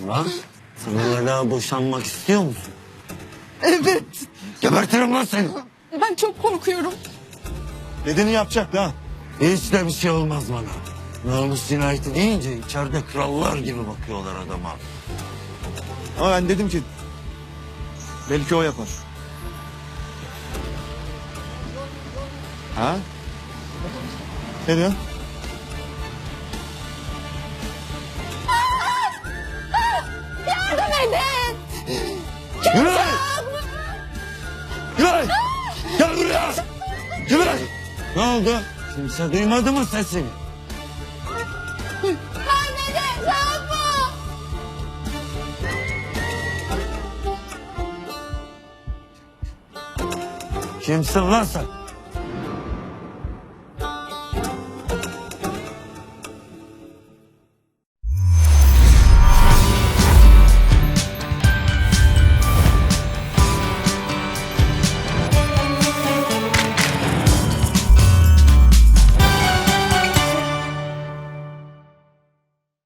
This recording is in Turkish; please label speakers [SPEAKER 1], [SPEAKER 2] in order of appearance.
[SPEAKER 1] Lan sen hala boşanmak istiyor musun?
[SPEAKER 2] Evet.
[SPEAKER 1] Gebertirim lan seni.
[SPEAKER 2] Ben çok korkuyorum.
[SPEAKER 3] Dediğini yapacak ha.
[SPEAKER 1] Hiç de bir şey olmaz bana. Namus cinayeti deyince içeride krallar gibi bakıyorlar adama.
[SPEAKER 3] Ama ben dedim ki belki o yapar. Ha? Ne diyorsun?
[SPEAKER 2] Yardım edin.
[SPEAKER 1] Gülay! Gülay! Gel buraya! Gülay! Ne oldu? Kimse duymadı mı sesini?
[SPEAKER 2] Anneciğim ne yapma?
[SPEAKER 1] Kimsin lan sen?